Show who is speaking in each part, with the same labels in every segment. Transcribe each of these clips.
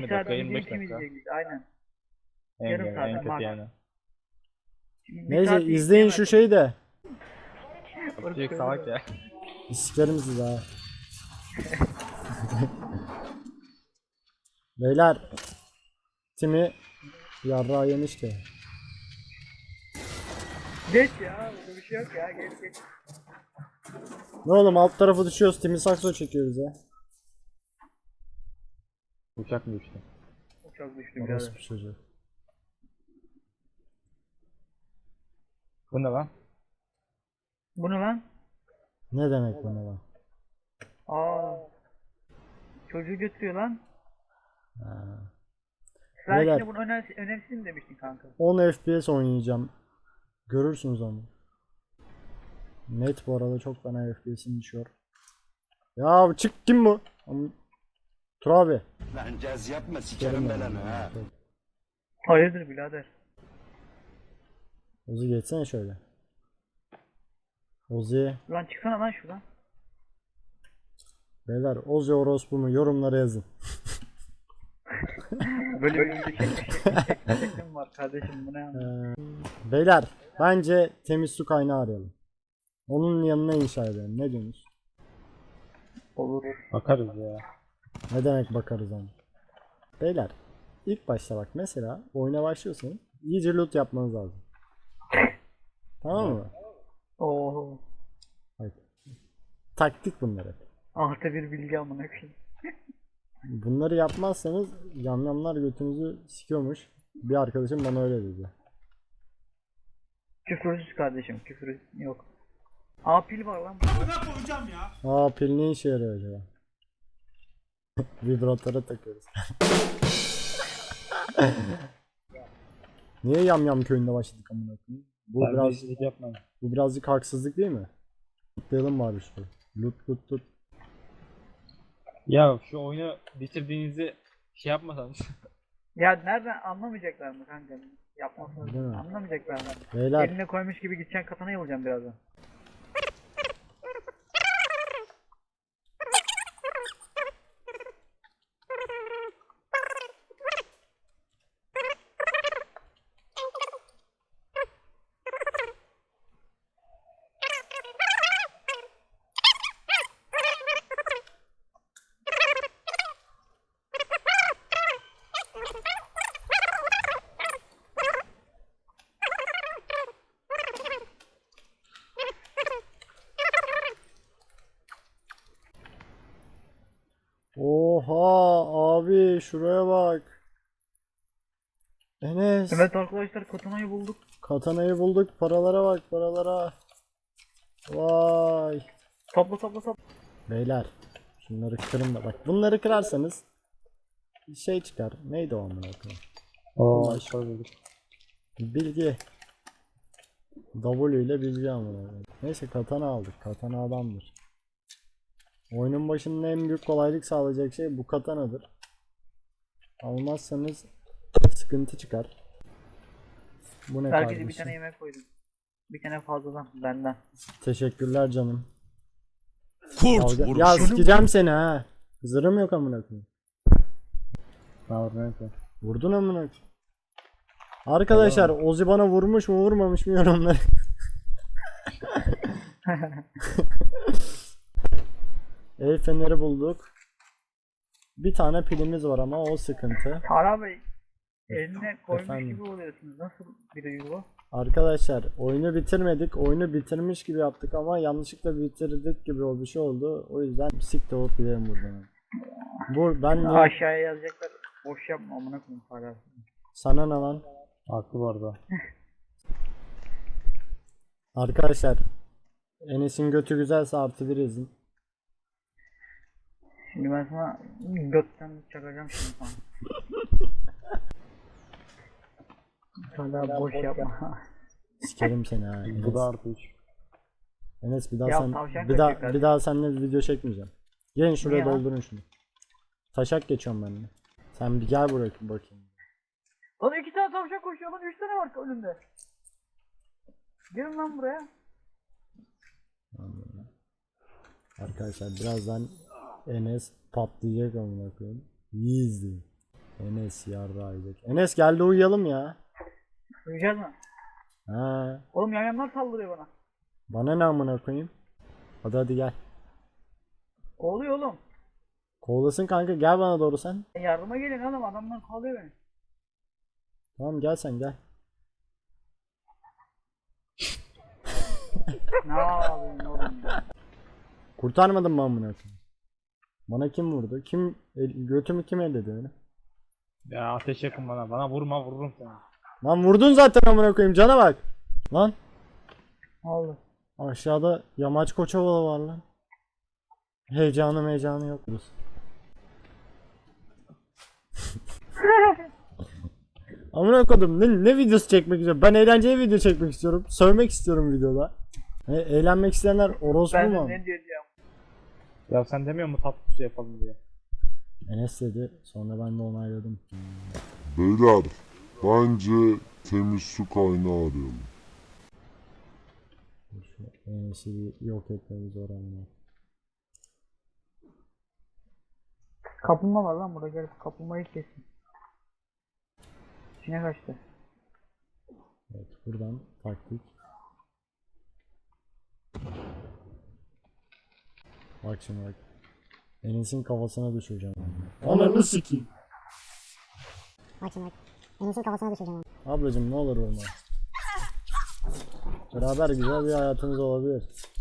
Speaker 1: 20
Speaker 2: saat
Speaker 1: dakika,
Speaker 2: video
Speaker 1: 25
Speaker 2: kim
Speaker 1: dakika.
Speaker 2: izleyecek? Aynen.
Speaker 1: En,
Speaker 2: Yarım
Speaker 1: en
Speaker 2: saat
Speaker 1: kötü
Speaker 2: max.
Speaker 1: yani.
Speaker 2: Şimdi bir
Speaker 3: Neyse
Speaker 2: saat
Speaker 3: izleyin şu şeyi de.
Speaker 1: Çocuk salak ya.
Speaker 3: Sikerim sizi ha. Beyler. Timi yarrağı yemiş ki.
Speaker 2: Geç ya, burada bir şey yok ya, geç geç.
Speaker 3: Ne oğlum alt tarafı düşüyoruz. Timi sakso çekiyoruz ya.
Speaker 1: Uçak mı düştü?
Speaker 2: Çok düştü
Speaker 3: Orası
Speaker 2: birader.
Speaker 3: bir çocuğu.
Speaker 1: Bu ne lan?
Speaker 2: Bu ne lan?
Speaker 3: Ne demek bu ne lan?
Speaker 2: Aa. Çocuğu götürüyor lan.
Speaker 3: Ha.
Speaker 2: Sen
Speaker 3: Beyler.
Speaker 2: şimdi bunu önemsiz mi demiştin kanka?
Speaker 3: 10 FPS oynayacağım. Görürsünüz onu. Net bu arada çok fena FPS'im düşüyor. Ya çık kim bu? Tur abi.
Speaker 4: Lan caz yapma sikerim belanı ha.
Speaker 2: Hayırdır birader?
Speaker 3: Ozi geçsene şöyle. Ozi.
Speaker 2: Lan çıksana lan şuradan.
Speaker 3: Beyler Ozi orospu mu yorumlara yazın.
Speaker 2: Böyle bir video çekmişim var kardeşim, bu ne ya?
Speaker 3: Beyler bence temiz su kaynağı arayalım. Onun yanına inşa edelim. Ne diyorsunuz?
Speaker 2: Olur.
Speaker 1: Bakarız ya.
Speaker 3: Ne demek bakarız ama. Beyler ilk başta bak mesela oyuna başlıyorsun. İyice loot yapmanız lazım. Tamam mı?
Speaker 2: Oo.
Speaker 3: Bak. Taktik bunları.
Speaker 2: Artı bir bilgi amına koyayım.
Speaker 3: Bunları yapmazsanız yamyamlar götünüzü sikiyormuş. Bir arkadaşım bana öyle dedi.
Speaker 2: Küfürsüz kardeşim, küfür yok. Aa, pil var lan.
Speaker 3: Aa pil ne işe yarıyor acaba? Vibratöre takıyoruz. Niye yamyam köyünde başladık amına koyayım? Bu birazcık haksızlık değil mi? Lootlayalım bari şurayı. Loot loot.
Speaker 1: Ya şu oyunu bitirdiğinizi şey yapmasanız.
Speaker 2: Ya nereden anlamayacaklar mı kanka?
Speaker 3: Değil
Speaker 2: Yapmasını
Speaker 3: mi?
Speaker 2: anlamayacaklar mı?
Speaker 3: Beyler
Speaker 2: Eline koymuş gibi gideceksin, katanayı bulacaksın birazdan.
Speaker 3: oha abi şuraya bak. Enes.
Speaker 2: Evet arkadaşlar, katanayı bulduk.
Speaker 3: Katanayı bulduk. Paralara bak paralara. Vay.
Speaker 2: Topla.
Speaker 3: Beyler. Şunları kırın da bak. Bunları kırarsanız şey çıkar. Neydi o amına koyayım?
Speaker 1: Oo, şöyle.
Speaker 3: Bilgi. W ile bilgi amına koyayım. Neyse katana aldık. Katana adamdır. Oyunun başında en büyük kolaylık sağlayacak şey bu katanadır. Almazsanız sıkıntı çıkar. Bu ne
Speaker 2: Herkese bir
Speaker 3: kardeşim?
Speaker 2: tane yemek koydum. Bir tane fazladan benden.
Speaker 3: Teşekkürler canım.
Speaker 4: Kurt
Speaker 3: Ya sikeceğim seni ha. Zırhım yok amına koyayım.
Speaker 1: Neyse.
Speaker 3: Vurdun amına koyayım. Arkadaşlar Ozi bana vurmuş mu vurmamış mı yorumları. El feneri bulduk. Bir tane pilimiz var ama o sıkıntı.
Speaker 2: Tara Bey, eline koymuş
Speaker 3: Efendim?
Speaker 2: gibi oluyorsunuz. Nasıl bir duygu bu?
Speaker 3: Arkadaşlar oyunu bitirmedik. Oyunu bitirmiş gibi yaptık ama yanlışlıkla bitirdik gibi o bir şey oldu. O yüzden siktir olup gidelim buradan. Ben niye?
Speaker 2: Aşağıya yazacaklar. Boş yapma amına koyayım para.
Speaker 3: Sana ne lan?
Speaker 1: Haklı bu arada.
Speaker 3: Arkadaşlar Enes'in götü güzelse artı bir yazın.
Speaker 2: Şimdi ben sana götten çakacağım şimdi sana. Hala boş yapma.
Speaker 3: Sikerim seni ha. Enes.
Speaker 1: Bu da artı 3.
Speaker 3: Enes bir daha
Speaker 2: Ya
Speaker 3: sen
Speaker 2: tavşan
Speaker 3: bir daha
Speaker 2: kaçıyor
Speaker 3: bir daha seninle video çekmeyeceğim. Gelin şuraya
Speaker 2: Niye lan?
Speaker 3: doldurun şunu. Taşak geçiyorum ben de. Sen bir gel buraya bakayım.
Speaker 2: Lan 2 tane tavşan koşuyor lan, 3 tane var önünde. Gelin lan buraya.
Speaker 3: Arkadaşlar birazdan Enes patlayacak amına koyayım. İyi izleyin. Enes yarrağıyacak. Enes geldi uyuyalım ya.
Speaker 2: Uyuyacağız mı?
Speaker 3: Ha.
Speaker 2: Oğlum yamyamlar saldırıyor bana.
Speaker 3: Bana ne amına koyayım? Hadi gel.
Speaker 2: Kovalıyor oğlum.
Speaker 3: Kovalasın kanka, gel bana doğru sen.
Speaker 2: Yardıma gelin oğlum, adamlar kovalıyor beni.
Speaker 3: Tamam gel sen gel.
Speaker 2: Ne yapıyorsun oğlum ya?
Speaker 3: Kurtarmadın mı amına koyayım? Bana kim vurdu? Götümü kim elledi öyle?
Speaker 1: Ya ateş yakın bana. Bana vurma, vururum seni.
Speaker 3: Lan vurdun zaten amına koyayım, cana bak. Lan
Speaker 2: Ne oldu?
Speaker 3: aşağıda yamaç koçovalı var lan. Heyecanı yok. Amına koydum, ne videosu çekmek istiyorum? Ben eğlenceli video çekmek istiyorum. Sövmek istiyorum videoda. Eğlenmek isteyenler orospu
Speaker 2: Ben
Speaker 3: mu?
Speaker 2: de ne diyeceğim?
Speaker 1: Ya sen demiyor mu tatlı su yapalım diye?
Speaker 3: Enes dedi, sonra ben de onayladım.
Speaker 5: Beyler, bence temiz su kaynağı arayalım.
Speaker 3: Şu Enes'i bir yok etmemiz öğrenme.
Speaker 2: Kaplumbağa var lan burada, gel kaplumbağayı kesin. İçine kaçtı.
Speaker 3: Evet, buradan taktik. Bak şimdi bak. Enes'in kafasına düşüreceğim. Ananı sikeyim.
Speaker 6: Bak şimdi bak. Enes'in kafasına düşüreceğim onu.
Speaker 3: Ablacım ne olur vurma. Beraber güzel bir hayatımız olabilir.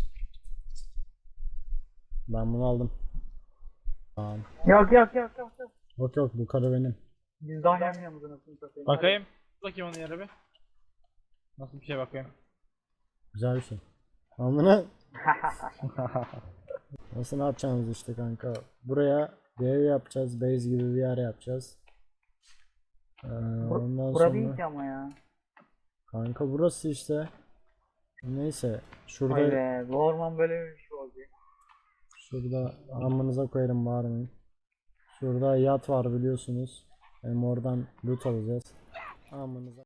Speaker 3: Ben bunu aldım. Tamam.
Speaker 2: Yok.
Speaker 3: Yok bu karı benim.
Speaker 2: Biz daha yamyamız anasını satayım.
Speaker 1: Bakayım. Bakayım onun yere bir. Nasıl bir şey bakayım?
Speaker 3: Güzel bir şey. Amına. Nasıl, ne yapacağımız işte kanka. Buraya bir ev yapacağız. Base gibi bir yer yapacağız. Ondan
Speaker 2: Bura
Speaker 3: sonra
Speaker 2: değil ki ama ya.
Speaker 3: kanka burası işte. Neyse şurada
Speaker 2: Vay be, bu orman böyle bir şey oldu.
Speaker 3: şurada amınıza koyarım, bağırmayın. Şurada yat var biliyorsunuz. Hem oradan loot alacağız. Amınıza